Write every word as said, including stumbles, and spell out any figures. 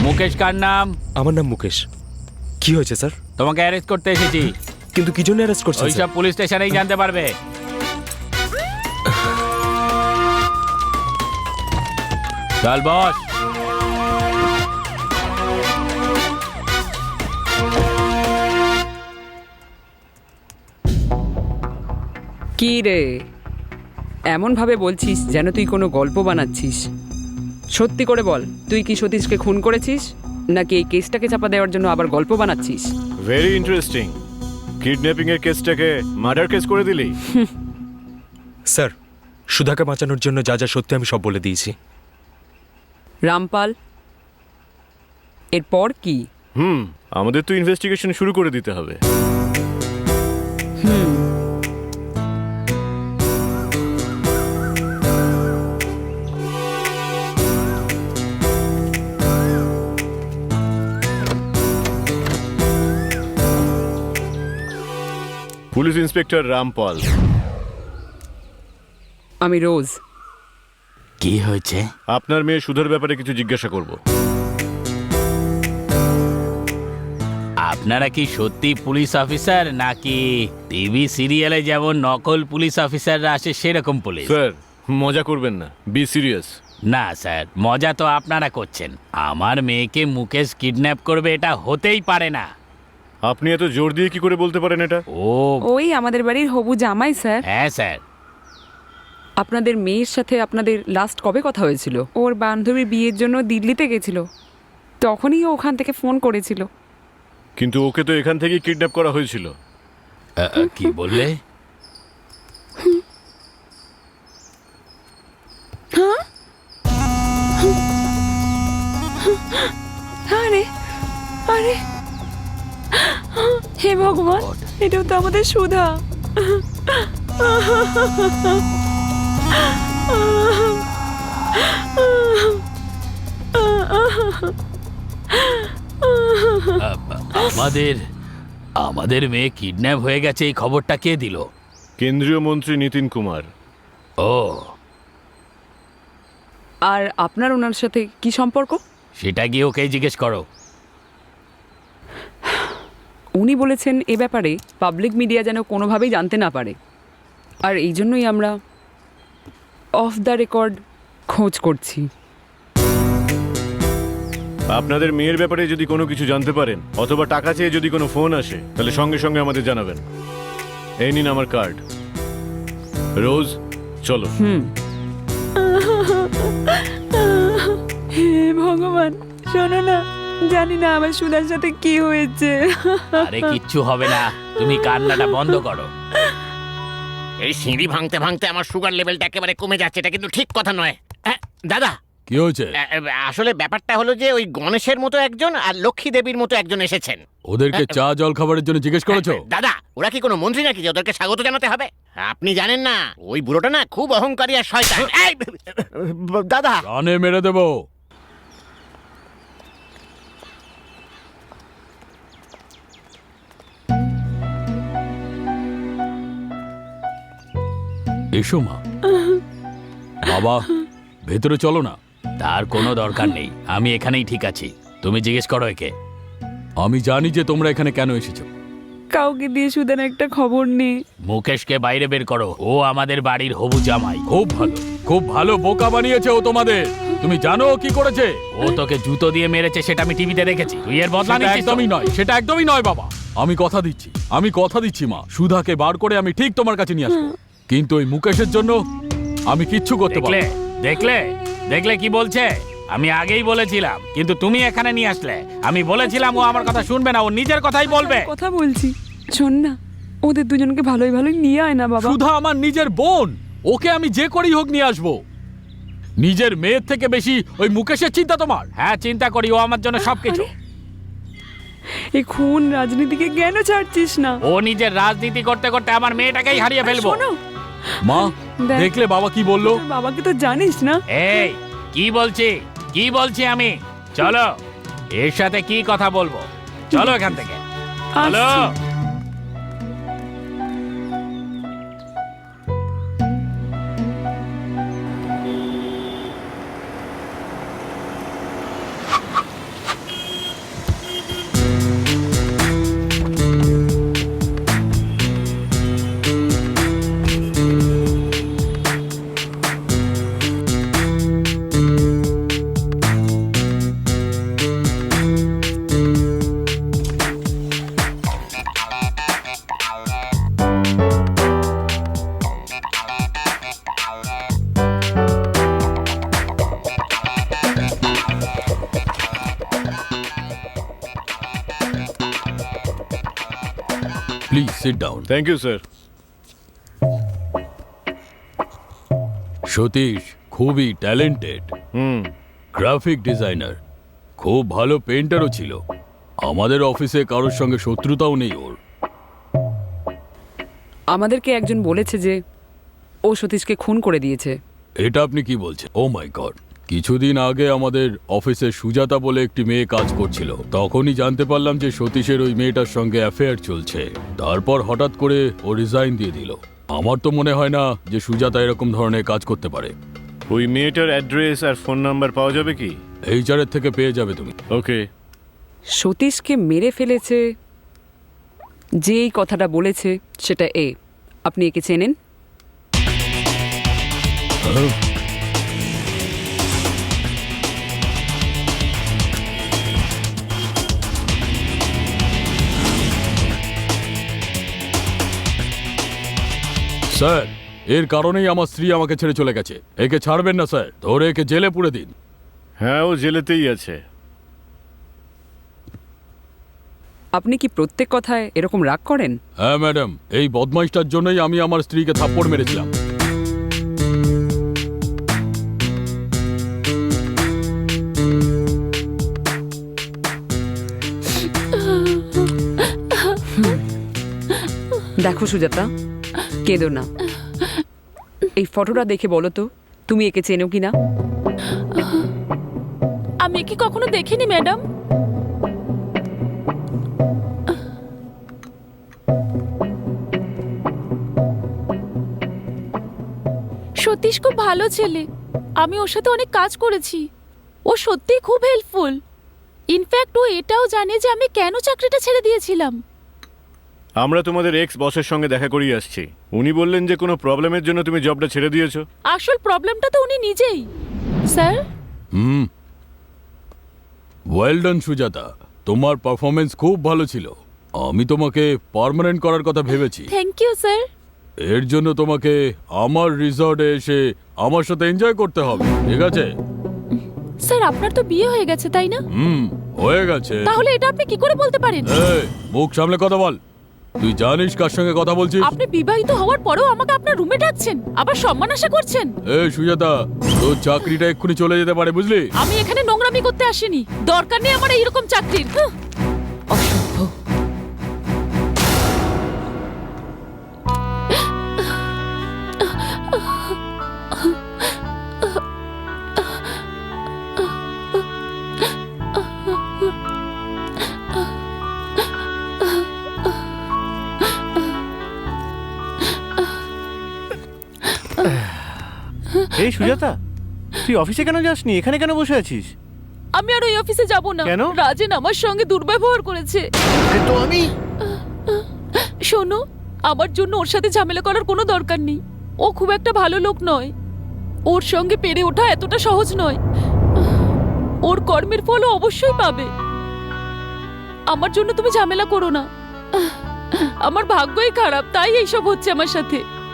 মুকেশ কার নাম? আমার নাম মুকেশ। কি হয়েছে স্যার? তোমাকে অ্যারেস্ট করতে এসেছি। কিন্তু কি জন্য অ্যারেস্ট করছেন? ওইসব পুলিশ স্টেশনেই জানতে পারবে। চল বস। কি রে, এমন ভাবে বলছিস যেন তুই কোনো গল্প বানাচ্ছিস। সত্যি করে বল, তুই কি সতীশকে খুন করেছিস নাকি এই কেসটাকে চাপা দেওয়ার জন্য আবার গল্প বানাচ্ছিস? Very interesting. কিডন্যাপিং এর কেসটাকে মার্ডার কেস করে দিলি? স্যার, সুধাকে বাঁচানোর জন্য যা যা সত্যি আমি সব বলে দিয়েছি। রামপাল, এরপর কি? হুম আমাদের তো ইনভেস্টিগেশন শুরু করে দিতে হবে। হুম পুলিশ ইন্সপেক্টর রামপাল। আমি রোজ। কি হয়েছে? আপনার মেয়ে সুধার ব্যাপারে কিছু জিজ্ঞাসা করব। আপনারা কি সত্যি পুলিশ অফিসার নাকি টিভি সিরিয়ালে যেমন নকল পুলিশ অফিসাররা আসে সেরকম পুলিশ? স্যার মজা করবেন না, বি সিরিয়াস। না স্যার, মজা তো আপনারা করছেন। আমার মেয়েকে মুকেশ কিডন্যাপ করবে এটা হতেই পারে না। আপনি এত জোর দিয়ে কি করে বলতে পারেন এটা? ও ওই আমাদের বাড়ির হবু জামাই স্যার। হ্যাঁ স্যার। আপনাদের মেয়ের সাথে আপনাদের লাস্ট কবে কথা হয়েছিল? ওর বান্ধবীর বিয়ের জন্য দিল্লিতে গেছিল, তখনই ও ওখান থেকে ফোন করেছিল। কিন্তু ওকে তো এখান থেকেই কিডন্যাপ করা হয়েছিল। আ, আ, কি বললে? আরে আরে, হে ভগবান, এটাও তো আমাদের সুধা। আ, আমাদের আমাদের মেয়ে কিডন্যাপ হয়ে গেছে এই খবরটা কে দিল? কেন্দ্রীয় মন্ত্রী নীতিন কুমার। ও, আর আপনার ওনার সাথে কি সম্পর্ক? সেটা গিয়ে ওকে জিজ্ঞেস করো। উনি বলেছেন এ ব্যাপারে পাবলিক মিডিয়া যেন কোনোভাবেই জানতে না পারে, আর এই জন্যই আমরা অফ দ্য রেকর্ড খোঁজ করছি। আপনাদের মেয়ের ব্যাপারে যদি কোনো কিছু জানতে পারেন অথবা টাকা চেয়ে যদি কোনো ফোন আসে তাহলে সঙ্গে সঙ্গে আমাদের জানাবেন। এই নিন আমার কার্ড। রোজ চলো। হুম। হে ভগবান, শোনো না, জানি না আমার সুধার সাথে কি হয়েছে। আরে কিচ্ছু হবে না, তুমি কান্নাটা বন্ধ করো। এই সিঁড়ি ভাঙতে ভাঙতে আমার সুগার লেভেলটা একেবারে কমে যাচ্ছে, এটা কিন্তু ঠিক কথা নয়। হ্যাঁ, দাদা কি হয়েছে? আ, আ, আসলে ব্যাপারটা হলো যে ওই গণেশের মতো একজন আর লক্ষ্মী দেবীর মতো একজন এসেছেন। ওদেরকে চা জল খাবারের জন্য জিজ্ঞেস করেছো? দাদা ওরা কি কোনো মন্ত্রী নাকি যে ওদেরকে স্বাগত জানাতে হবে? আপনি জানেন না ওই বুড়োটা না খুব অহংকারী আর শয়তান। এই, দাদা প্রাণে মেরে দেবো। এসো মা। বাবা ভেতরে চলো না। তার কোনো দরকার নেই, আমি এখানেই ঠিক আছি। তুমি জিজ্ঞেস করো একে। আমি জানি যে তোমরা এখানে কেন এসেছো। কাউকে দিয়ে সুধার একটা খবর নেই। মুকেশকে বাইরে বের করো, ও আমাদের বাড়ির হবু জামাই। খুব ভালো, খুব ভালো বোকা বানিয়েছে ও তোমাদের। তুমি জানো ও কি করেছে? ও তোকে জুতো দিয়ে মেরেছে, সেটা আমি টিভিতে দেখেছি। তুই এর বদলা নিচ্ছিস? একদমই নয়, সেটা একদমই নয় বাবা। আমি কথা দিচ্ছি, আমি কথা দিচ্ছি মা, সুধাকে বার করে আমি ঠিক তোমার কাছে নিয়ে আসবো। কিন্তু ওই মুকেশের জন্য আমি কিচ্ছু করতে পারবো না। দেখলে দেখলে কি বলছে? আমি আগেই বলেছিলাম, কিন্তু তুমি এখানে নিয়ে আসলে। আমি বলেছিলাম ও আমার কথা শুনবে না, ও নিজের কথাই বলবে। কথা বলছি, শোন না, ওদের দুজনকে ভালোই ভালোই নিয়ে আয় না বাবা। সুধা আমার নিজের বোন, ওকে আমি যে করেই হোক নিয়ে আসবো। নিজের মেয়ের থেকে বেশি ওই মুকেশের চিন্তা তোমার? হ্যাঁ চিন্তা করি, ও আমার জন্য সবকিছু। এই খুন রাজনীতিকে কেন ছাড়ছিস না? ও নিজের রাজনীতি করতে করতে আমার মেয়েটাকেই হারিয়ে ফেলবো। শোনো, মা দেখ, দেখলে বাবা কি বললো? তোর বাবাকে তো জানিস না। এই কি বলছি কি বলছি আমি? চলো, এর সাথে কি কথা বলবো? চলো এখান থেকে, চলো। আসছি। Please sit down. Thank you sir. Satish খুবই ট্যালেন্টেড, হুম। গ্রাফিক ডিজাইনার, খুব ভালো পেন্টারও ছিল। আমাদের অফিসে কারোর সঙ্গে শত্রুতাও নেই ওর। আমাদেরকে একজন বলেছে যে ও সতীশকে খুন করে দিয়েছে। এটা আপনি কি বলছেন? Oh my God! কিছুদিন আগে আমাদের অফিসে সুজাতা বলে একটি মেয়ে কাজ করছিল। তখনই জানতে পারলাম যে সতীশের ওই মেয়েটার সঙ্গে অ্যাফেয়ার চলছে। তারপর হঠাৎ করে ও রিজাইন দিয়ে দিল। আমার তো মনে হয় না যে সুজাতা এরকম ধরনের কাজ করতে পারে। ওই মেয়েটার অ্যাড্রেস আর ফোন নাম্বার পাওয়া যাবে কি? এইচআরের থেকে পেয়ে যাবে তুমি। ওকে। সতীশকে মেরে ফেলেছে যে এই কথাটা বলেছে সেটা এ। আপনি একে চেনেন? স্যার, এর কারণেই আমার স্ত্রী আমাকে ছেড়ে চলে গেছে। একে ছাড়বেন না স্যার, ধরে একে জেলে পুরে দিন। হ্যাঁ, ও জেলেতেই আছে। আপনি কি প্রত্যেক কথায় এরকম রাগ করেন? হ্যাঁ ম্যাডাম, এই বদমাইশটার জন্যই আমি আমার স্ত্রীকে থাপ্পড় মেরেছিলাম। দেখো সুজাতা, কেঁদো না। এই ফটোটা দেখে বলো তো তুমি একে চেনো কিনা? আমি কি কখনো দেখিনি ম্যাডাম। সতীশ খুব ভালো ছেলে, আমি ওর সাথে অনেক কাজ করেছি। ও সত্যিই খুব হেল্পফুল। ইনফ্যাক্ট ও এটাও জানে যে আমি কেন চাকরিটা ছেড়ে দিয়েছিলাম। আমরা তোমাদের এক্স বসের সঙ্গে দেখা করিয়ে আসছি। উনি বললেন যে কোনো প্রবলেমের জন্য তুমি জবটা ছেড়ে দিয়েছো। আসল প্রবলেমটা তো উনি নিজেই। স্যার, হুম, ওয়েল ডান সুজাতা, তোমার পারফরমেন্স খুব ভালো ছিল। আমি তোমাকে পার্মানেন্ট করার কথা ভেবেছি। Thank you sir. এর জন্য তোমাকে আমার রিসর্টে এসে আমার সাথে এনজয় করতে হবে, ঠিক আছে? স্যার, আপনার তো বিয়ে হয়ে গেছে তাই না? হুম, হয়ে গেছে। তাহলে এটা আপনি কি করে বলতে পারেন? এই, মুখ সামলে কথা বল। তুই জানিস কার সঙ্গে কথা বলছিস? আপনি বিবাহিত হওয়ার পরেও আমাকে আপনার রুমে ডাকছেন, আবার সম্মান আশা করছেন। এই সুজাতা, তোর চাকরিটা এক্ষুনি চলে যেতে পারে, বুঝলি? আমি এখানে নোংরামি করতে আসিনি। দরকার নেই আমার এইরকম চাকরির। হাহ, অসভ্য। এই সুজাতা, তুই অফিসে কেন যাসনি? এখানে কেন বসে আছিস? আমি আর ওই অফিসে যাব না। কেন? রাজেন আমার সঙ্গে দুর্ব্যবহার করেছে। তো আমি শোনো, আমার জন্য ওর সাথে ঝামেলা করার কোনো দরকার নেই। ও খুব একটা ভালো লোক নয়। ওর সঙ্গে পেরে ওঠা এতটা সহজ নয়। ওর কর্মের ফল ও অবশ্যই পাবে। আমার জন্য তুমি ঝামেলা করো না। আমার ভাগ্যই খারাপ, তাই এইসব হচ্ছে আমার সাথে।